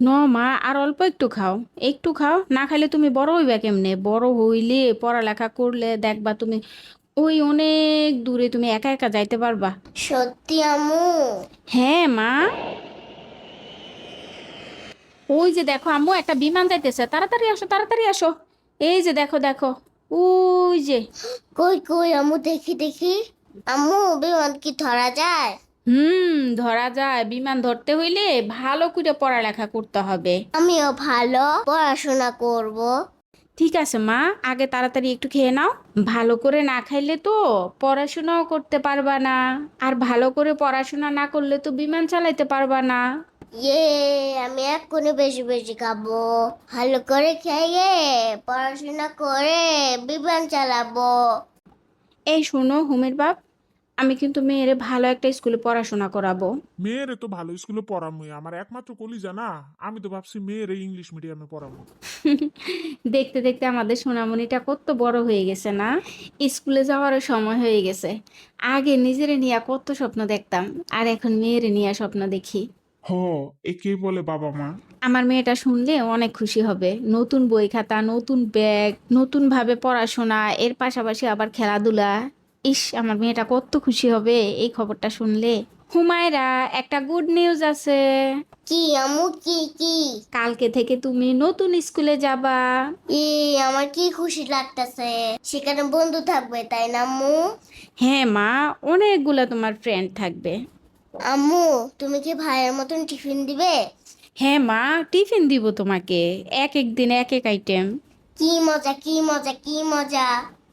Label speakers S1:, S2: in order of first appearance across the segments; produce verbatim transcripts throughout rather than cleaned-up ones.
S1: ন মা, আর অল্প একটু খাও। একটু খাও, না খাইলে তুমি বড় হইবা কেমনে? বড় হইলে পড়ালেখা করলে দেখবা তুমি ওই অনেক দূরে তুমি একা একা যাইতে পারবা।
S2: সত্যি আম্মু?
S1: হ্যাঁ মা। ওই যে দেখো আম্মু, একটা বিমান যাইতেছে, তাড়াতাড়ি আসো তাড়াতাড়ি আসো। এই যে দেখো দেখো, ওই যে।
S2: কই কই আম্মু, দেখি দেখি। আম্মু, বিমান কি ধরা যায়?
S1: হুম, ধরা যায়। বিমান ধরতে হইলে ভালো করে পড়ালেখা করতে হবে।
S2: আমিও ভালো পড়াশোনা করব।
S1: ঠিক আছে মা, আগে তাড়াতাড়ি একটু খেয়ে নাও। ভালো করে না খাইলে তো পড়াশোনাও করতে পারবা না, আর ভালো করে পড়াশোনা না করলে তো বিমান চালাইতে পারবা না।
S2: ইয়ে, আমি এক্ষুনি বেশি বেশি খাবো। ভালো করে খেয়ে পড়াশোনা করে বিমান চালাবো।
S1: এই শোনো হুমের বাপ, আমি কিন্তু মেয়েরে ভালো একটা স্কুলে পড়াশোনা করাবো।
S3: মেয়েরে তো ভালো স্কুলে পড়ামুই, আমার একমাত্র কলিজা না। আমি তো ভাবছি মেয়েরে ইংলিশ মিডিয়ামে পড়াবো।
S1: দেখতে দেখতে আমাদের সোনামণিটা কত বড় হয়ে গেছে না, স্কুলে যাওয়ারও সময় হয়ে গেছে। আগে নিজেরে নিয়ে কত স্বপ্ন দেখতাম, আর এখন মেয়েরে নিয়ে স্বপ্ন দেখি।
S3: হ, একেই বলে বাবা মা।
S1: আমার মেয়েটা শুনলে অনেক খুশি হবে। নতুন বই খাতা, নতুন ব্যাগ, নতুন ভাবে পড়াশোনা, এর পাশাপাশি আবার খেলাধুলা। ইস, আমার মেয়েটা কত খুশি হবে এই খবরটা শুনলে। হুমায়রা, একটা গুড নিউজ আছে।
S2: কি আম্মু, কি কি?
S1: কালকে থেকে তুমি নতুন স্কুলে যাবা।
S2: ই, আমার কি খুশি লাগতেছে। সেখানে বন্ধু থাকবে, তাই না আম্মু?
S1: হ্যাঁ মা, অনেকগুলা তোমার ফ্রেন্ড থাকবে।
S2: আম্মু, তুমি কি ভাইয়ের মতন টিফিন দিবে?
S1: হ্যাঁ মা, টিফিন দিব তোমাকে, এক এক দিন এক এক আইটেম।
S2: কি মজা, কি মজা, কি মজা।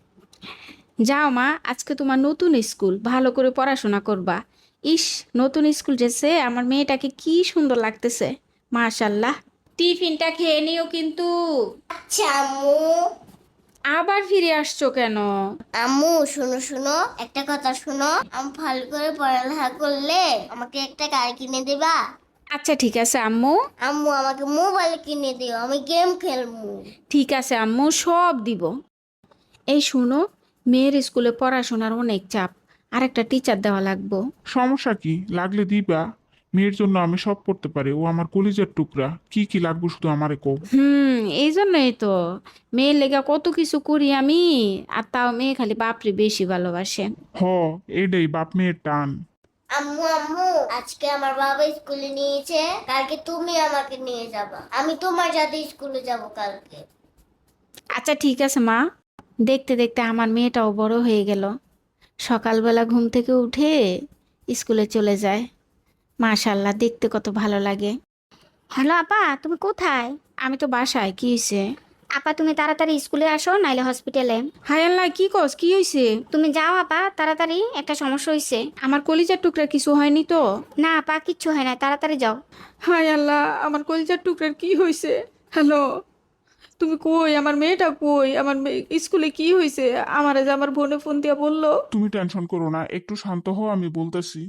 S1: যাও মা, আজকে তোমার নতুন স্কুল, ভালো করে পড়াশোনা করবা। ইস, নতুন স্কুল ড্রেসে আমার মেয়েটাকে কি সুন্দর লাগতেছে। মাশাল্লাহ। টিফিনটা খেয়ে নিও কিন্তু।
S2: আচ্ছা আম্মু।
S1: আবার ফিরে আসছো কেন?
S2: আম্মু, শুনো শুনো, একটা কথা শুনো। আমি ভালো করে পড়ালেখা করলে আমাকে একটা গাড়ি কিনে দিবা?
S1: আচ্ছা ঠিক আছে আম্মু।
S2: আম্মু, আমাকে মোবাইল কিনে দিও, আমি গেম খেলবো।
S1: ঠিক আছে আম্মু, সব দিব। এই শুনো, মেয়ের স্কুলে পড়াশোনার অনেক চাপ, আর একটা টিচার দেওয়া লাগবো।
S3: সমস্যা কি, লাগলে দিবা। মেয়ের জন্য আমি সব করতে পারি, ও আমার কলিজার টুকরা। কি কি লাগবে শুধু আমারে কও।
S1: হুম, এই জন্যই তো মেয়ের লেগা কত কিছু করি আমি। আর তাও মেয়ে খালি বাপরে বেশি ভালোবাসে।
S3: হ, এটাই বাপ মেয়ের টান।
S2: আম্মু আম্মু, আজকে আমার বাবা স্কুলে নিয়েছে, কালকে তুমি আমাকে নিয়ে যাবা, আমি তোমার সাথে স্কুলে যাব কালকে।
S1: আচ্ছা ঠিক আছে মা। দেখতে দেখতে আমার মেয়েটাও বড় হয়ে গেল। সকালবেলা ঘুম থেকে উঠে স্কুলে চলে যায়। মাশাল্লাহ, দেখতে কত ভালো লাগে।
S4: হ্যালো আপা, তুমি কোথায়?
S1: আমি তো বাসায়, কি হয়েছে?
S4: আপা, তুমি তাড়াতাড়ি স্কুলে আসো, নাইলে হসপিটালে।
S1: হায় আল্লাহ, কি কস, কি হয়েছে?
S4: তুমি যাও আপা, তাড়াতাড়ি, একটা সমস্যা হয়েছে।
S1: আমার কলিজার টুকরা কিছু হয়নি তো?
S4: না আপা, কিচ্ছু হয় না, তাড়াতাড়ি যাও।
S1: হায় আল্লাহ, আমার কলিজার টুকরার কি হয়েছে? হ্যালো, তুমি কই? আমার মেয়েটা কই? আমার মেয়ে স্কুলে কি হয়েছে? আমারে যে আমার বোনে ফোন দিয়া বললো।
S3: তুমি টেনশন করো না, একটু শান্ত হও, আমি বলতেছি।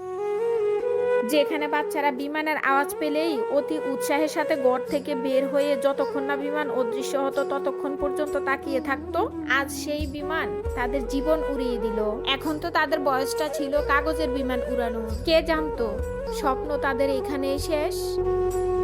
S5: যেখানে বাচ্চারা বিমানের আওয়াজ পেলেই অতি উৎসাহের সাথে ঘর থেকে বের হয়ে যতক্ষণ না বিমান অদৃশ্য হতো ততক্ষণ পর্যন্ত তাকিয়ে থাকতো, আজ সেই বিমান তাদের জীবন উড়িয়ে দিল। এখন তো তাদের বয়সটা ছিল কাগজের বিমান উড়ানো। কে জানতো স্বপ্ন তাদের এখানেই শেষ।